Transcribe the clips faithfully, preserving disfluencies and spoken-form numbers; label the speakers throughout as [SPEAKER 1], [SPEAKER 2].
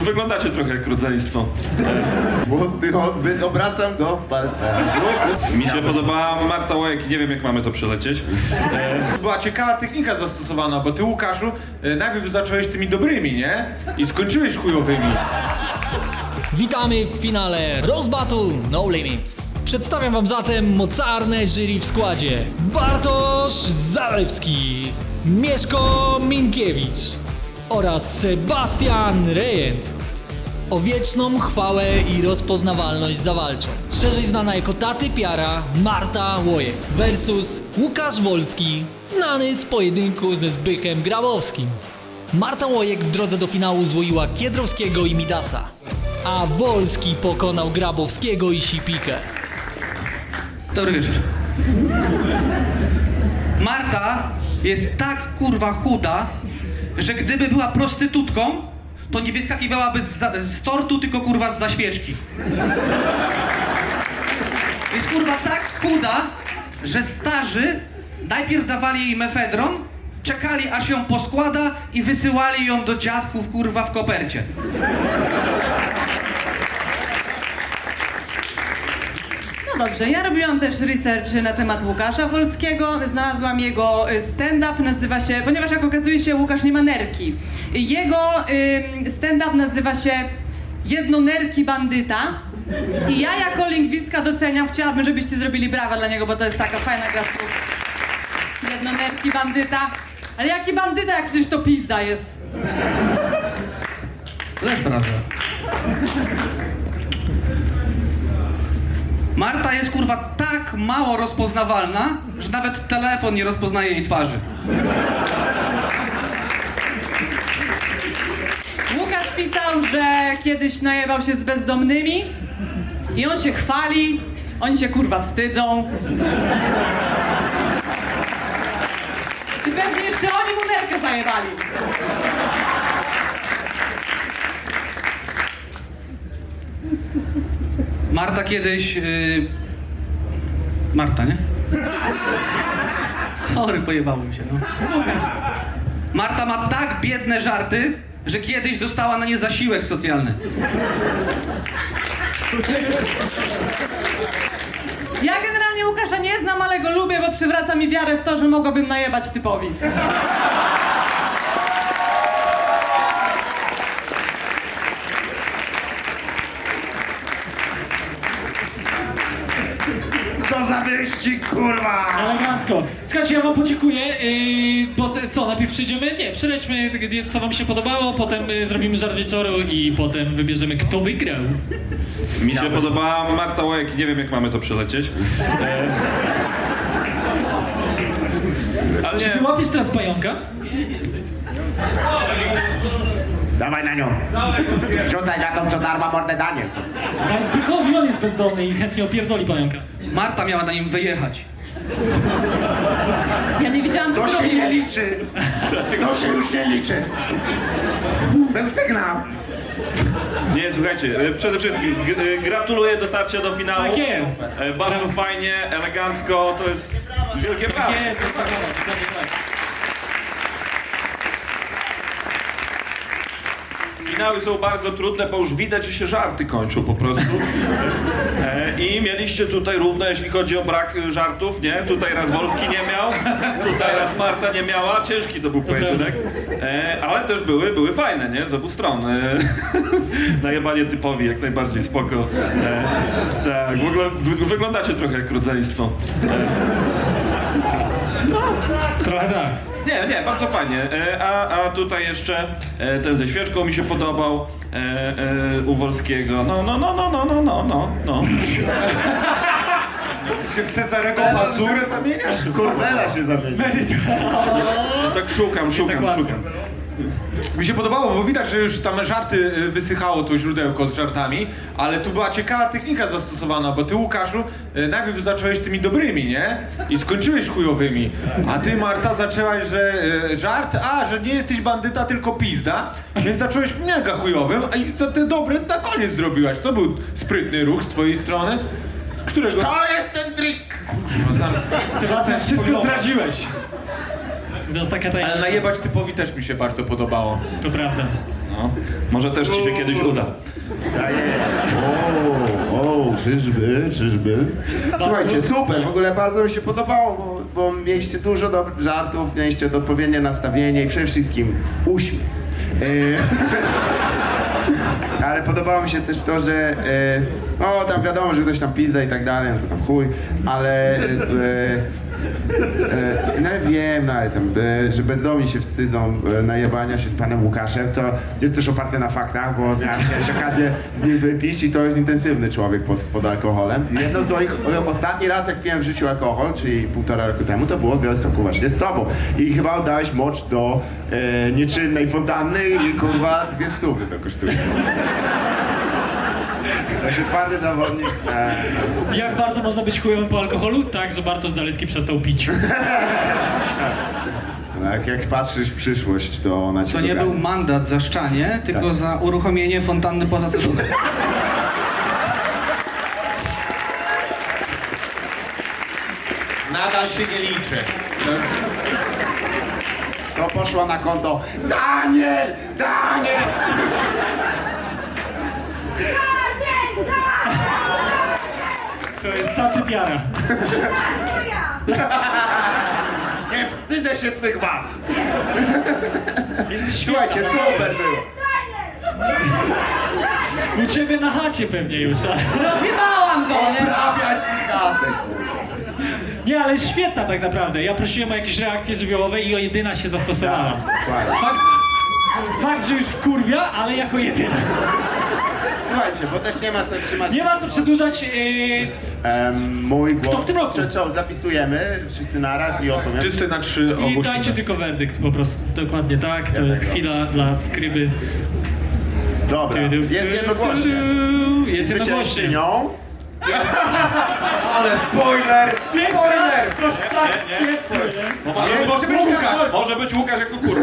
[SPEAKER 1] Wyglądacie trochę jak rodzeństwo.
[SPEAKER 2] Młody odbyt, obracam go w palce.
[SPEAKER 1] Mi się podobała Marta Łojek, nie wiem jak mamy to przelecieć.
[SPEAKER 3] Była ciekawa technika zastosowana, bo ty, Łukaszu, e, najpierw zacząłeś tymi dobrymi, nie? I skończyłeś chujowymi.
[SPEAKER 4] Witamy w finale Roast Battle No Limits. Przedstawiam wam zatem mocarne jury w składzie: Bartosz Zalewski, Mieszko Minkiewicz oraz Sebastian Rejent. O wieczną chwałę i rozpoznawalność zawalczą szerzej znana jako Taty Piara Marta Łojek versus Łukasz Wolski, znany z pojedynku ze Zbychem Grabowskim. Marta Łojek w drodze do finału złoiła Kiedrowskiego i Midasa, a Wolski pokonał Grabowskiego i Sipikę.
[SPEAKER 5] Dobry wieczór. Marta jest tak kurwa chuda, że gdyby była prostytutką, to nie wyskakiwałaby z, za, z tortu, tylko kurwa z zaświeczki. Jest kurwa tak chuda, że starzy najpierw dawali jej mefedron, czekali aż ją poskłada i wysyłali ją do dziadków kurwa w kopercie.
[SPEAKER 6] No dobrze, ja robiłam też research na temat Łukasza Wolskiego. Znalazłam jego stand-up, nazywa się, ponieważ jak okazuje się, Łukasz nie ma nerki. Jego y, stand-up nazywa się Jednonerki Bandyta. I ja jako lingwistka doceniam, chciałabym, żebyście zrobili brawa dla niego, bo to jest taka fajna gra słów. Jednonerki Bandyta. Ale jaki bandyta, jak przecież to pizda jest.
[SPEAKER 5] To też prawda. Marta jest kurwa tak mało rozpoznawalna, że nawet telefon nie rozpoznaje jej twarzy.
[SPEAKER 6] Łukasz pisał, że kiedyś najebał się z bezdomnymi i on się chwali, oni się kurwa wstydzą. I pewnie jeszcze oni mu nerkę zajebali.
[SPEAKER 5] Marta kiedyś... Yy... Marta, nie? Sorry, pojebałem się, no. Marta ma tak biedne żarty, że kiedyś dostała na nie zasiłek socjalny.
[SPEAKER 6] Ja generalnie Łukasza nie znam, ale go lubię, bo przywraca mi wiarę w to, że mogłabym najebać typowi.
[SPEAKER 2] Co za wyścig, kurwa!
[SPEAKER 7] Elegancko. Słuchajcie, ja wam podziękuję, yy, bo te, co, najpierw przyjdziemy? Nie, przejdźmy, co wam się podobało, potem yy, zrobimy żart wieczoru i potem wybierzemy, kto wygrał.
[SPEAKER 1] Mi się podobała Marta Łojek, nie wiem jak mamy to przelecieć. Ale
[SPEAKER 7] Czy ty
[SPEAKER 1] nie,
[SPEAKER 7] łapiesz teraz pająka?
[SPEAKER 2] Dawaj na nią. Rzucaj na tą, co darma mordę Daniel.
[SPEAKER 7] Daj Zbychowi, on jest bezdomny i chętnie opierdoli pająka.
[SPEAKER 5] Marta miała na nim wyjechać.
[SPEAKER 6] Ja nie widziałam, co
[SPEAKER 2] To się
[SPEAKER 6] robi.
[SPEAKER 2] nie liczy. To się już nie liczy. Był sygnał.
[SPEAKER 1] nie, słuchajcie, e, przede wszystkim g- e, gratuluję dotarcia do finału.
[SPEAKER 7] Tak jest.
[SPEAKER 1] E, Bardzo fajnie, elegancko, to jest wielkie brawo.
[SPEAKER 7] Jest, jest, dokładnie tak.
[SPEAKER 1] Finały są bardzo trudne, bo już widać, że się żarty kończą po prostu. E, I mieliście tutaj równo, jeśli chodzi o brak e, żartów, nie? Tutaj raz Wolski nie miał, tutaj raz Marta nie miała. Ciężki to był pojedynek. E, ale też były, były fajne, nie? Z obu stron. E, najebanie typowi, jak najbardziej, spoko. E, tak, w ogóle wy, wyglądacie trochę jak rodzeństwo.
[SPEAKER 7] Trochę tak.
[SPEAKER 1] Nie, nie, bardzo fajnie. E, a, a tutaj jeszcze e, ten ze świeczką mi się podobał e, e, u Wolskiego. No, no, no, no, no, no, no, no, no.
[SPEAKER 3] Ty się w Cezarego Mazurę zamieniasz?
[SPEAKER 2] Kurwela się zamieni.
[SPEAKER 1] Tak szukam, szukam,
[SPEAKER 7] łatwo.
[SPEAKER 1] szukam.
[SPEAKER 3] Mi się podobało, bo widać, że już tam żarty y, wysychało, to źródełko z żartami, ale tu była ciekawa technika zastosowana, bo ty, Łukaszu, y, najpierw zacząłeś tymi dobrymi, nie? I skończyłeś chujowymi. A ty, Marta, zaczęłaś, że y, żart, a, że nie jesteś bandyta, tylko pizda, więc zacząłeś mega chujowym, a i za te dobre na koniec zrobiłaś. To był sprytny ruch z twojej strony, którego...
[SPEAKER 2] To jest ten trik.
[SPEAKER 7] Sebastian, wszystko zdradziłeś. To była taka tajemnica.
[SPEAKER 3] Ale najebać typowi też mi się bardzo podobało.
[SPEAKER 7] To prawda.
[SPEAKER 1] No. Może też ci się kiedyś uda.
[SPEAKER 2] Daję. O, o, czyżby, czyżby. Słuchajcie, super, w ogóle bardzo mi się podobało, bo, bo mieliście dużo dobrych żartów, mieliście odpowiednie nastawienie i przede wszystkim uśmiech. E, Ale podobało mi się też to, że e, no tam wiadomo, że ktoś tam pizda i tak dalej, no to tam chuj, ale e, e, no wiem, no ale tam, e, że bezdomni się wstydzą e, najebania się z panem Łukaszem, to jest też oparte na faktach, bo miałem miałeś okazję z nim wypić i to jest intensywny człowiek pod, pod alkoholem. I jedno z moich, ostatni raz jak piłem w życiu alkohol, czyli półtora roku temu, to było w Białymstoku właśnie z tobą. I chyba oddałeś mocz do e, nieczynnej fontanny i kurwa dwie stówy to kosztuje. Także twardy zawodnik. E,
[SPEAKER 7] Jak bardzo można być chujowym po alkoholu? Tak, że Bartosz Zalewski przestał pić.
[SPEAKER 2] no, jak, jak patrzysz w przyszłość, to ona cię
[SPEAKER 5] To nie
[SPEAKER 2] dogania.
[SPEAKER 5] był mandat za szczanie, tylko
[SPEAKER 2] Tak.
[SPEAKER 5] za uruchomienie fontanny poza sezonem.
[SPEAKER 3] Nadal się nie liczy.
[SPEAKER 2] To poszło na konto Daniel! Daniel!
[SPEAKER 7] To jest ta typiara.
[SPEAKER 2] Nie wstydzę się swych wad!
[SPEAKER 7] Jesteś
[SPEAKER 2] Słuchajcie, super było!
[SPEAKER 7] U ciebie na chacie pewnie już, ale...
[SPEAKER 6] Rozjebałam go, nie?
[SPEAKER 2] Oprawiać ich chatę, kurwa.
[SPEAKER 7] Nie, ale jest świetna tak naprawdę. Ja prosiłem o jakieś reakcje żywiołowe i o jedyna się zastosowała.
[SPEAKER 2] Tak, dokładnie.
[SPEAKER 7] Fakt, fakt, że już wkurwia, ale jako jedyna.
[SPEAKER 2] Słuchajcie, bo też nie ma co trzymać...
[SPEAKER 7] Nie ma co przedłużać. Yy,
[SPEAKER 2] Em, mój głos...
[SPEAKER 7] Kto w tym roku?
[SPEAKER 2] Czy co, zapisujemy wszyscy naraz i odpowiemy?
[SPEAKER 3] Wszyscy na trzy
[SPEAKER 7] I
[SPEAKER 3] ogłosimy.
[SPEAKER 7] dajcie tylko werdykt po prostu. Dokładnie tak. To jest chwila dla skryby.
[SPEAKER 2] Dobra, jest jednogłośnie.
[SPEAKER 7] Jest jednogłośnie.
[SPEAKER 2] Zwyciężczynią
[SPEAKER 3] Ale spoiler! Spoiler!
[SPEAKER 7] To szlak z pierwszy, nie?
[SPEAKER 1] Bo może,
[SPEAKER 2] Nie,
[SPEAKER 1] być
[SPEAKER 2] może być
[SPEAKER 1] Łukasz,
[SPEAKER 2] Łukasz.
[SPEAKER 1] może być Łukasz jako kurwa.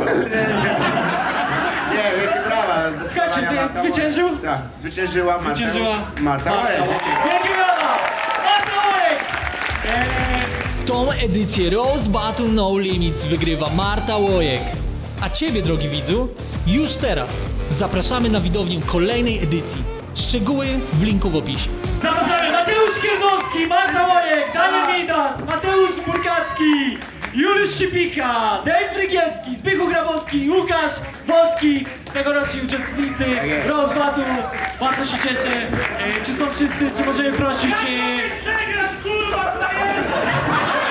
[SPEAKER 2] Nie, wielkie brawa. ale zdecydowanie
[SPEAKER 7] Słuchajcie, ty
[SPEAKER 2] Marta-
[SPEAKER 7] zwyciężył?
[SPEAKER 2] Tak, zwyciężyła Marta.
[SPEAKER 7] Zwyciężyła
[SPEAKER 2] Marta.
[SPEAKER 7] Marta
[SPEAKER 2] Łojek.
[SPEAKER 7] Łojek. Wielkie brawa! Marta Łojek! Eee,
[SPEAKER 4] Tą edycję Roast Battle No Limits wygrywa Marta Łojek. A ciebie, drogi widzu, już teraz zapraszamy na widownię kolejnej edycji. Szczegóły w linku w opisie.
[SPEAKER 7] Zapraszamy Mateusz Kierzowski, Marta Łojek, Daniel Midas, Mateusz Burkacki, Juliusz Szypika, Dave Rygielski, Zbychu Grabowski, Łukasz Wolski, tegoroczni uczestnicy Roast Battle. Bardzo się cieszę. E, czy są wszyscy, czy możemy prosić... E,